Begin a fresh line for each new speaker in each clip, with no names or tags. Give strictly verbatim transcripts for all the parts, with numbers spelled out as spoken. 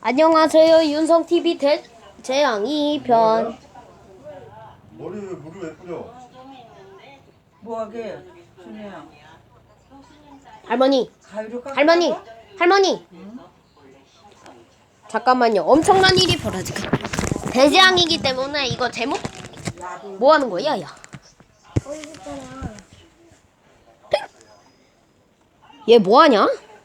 안녕하세요. 윤성티비 대 재앙이 편.
머리에 물을 왜 뿌려?
뭐하게? 준이야.
할머니,
가위로 깎아.
할머니, 할머니. 잠깐만요. 엄청난 일이 벌어지고. 대재앙이기 때문에 이거 제목 뭐 하는 거야, 야? 얘 뭐 하냐?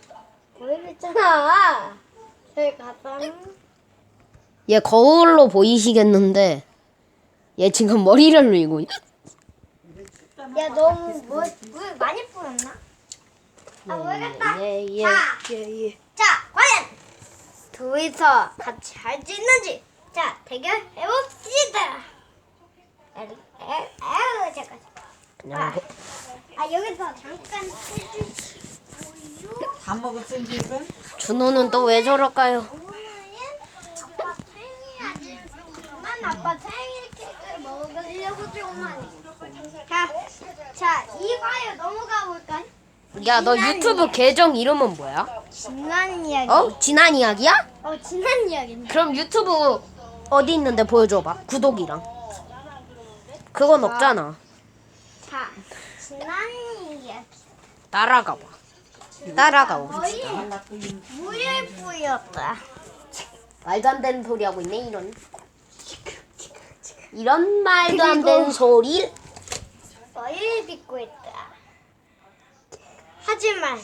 보이잖아. 저기 갔다.
얘 거울로 보이시겠는데 얘 지금 머리를 밀고 있-
야, 너무 물, 물 많이 뿌렸나? 아, 모르겠다.
예, 예,
자,
예, 예.
자, 과연 둘이서 같이 할 수 있는지. 자, 대결 해봅시다. 에, 에, 에, 잠깐.
그냥
아,
뭐-
아 여기서 잠깐 해주시고요.
다 먹었어 이제 이건?
준호는 또 왜 저럴까요?
오늘은 아빠 생일 아니지만 아빠 생일 케이크를 먹으려고 조금만. 자, 자, 이과에 넘어가 볼까요?
야, 너 유튜브 계정 이름은 뭐야?
지난 이야기.
어? 지난 이야기야?
어, 지난 이야기인데.
그럼 유튜브 어디 있는데 보여줘봐. 구독이랑. 그건 없잖아.
자, 지난 이야기.
따라가 봐. 따라가 봐.
거의 물을 뿌렸다.
말도 안 되는 소리 하고 있네, 이런. 이런 말도 안 되는 소리.
머리를 빗고 있다. 하지만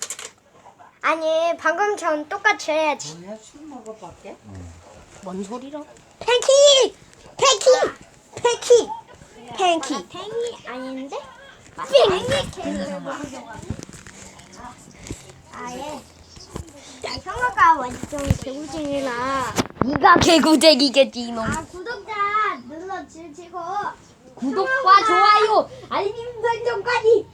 아니 방금처럼 똑같이 해야지.
뭐야 술 먹어봤게?
뭔 소리라?
팬키! 팬키! 팬키! 팬키! 팬이 아닌데? 팬키 케이크를 먹으려고. 아예 형아가 완전 개구쟁이라.
네가 개구쟁이겠지, 이놈.
아 구독자 눌러 주시고
구독과 좋아요, 알림 설정까지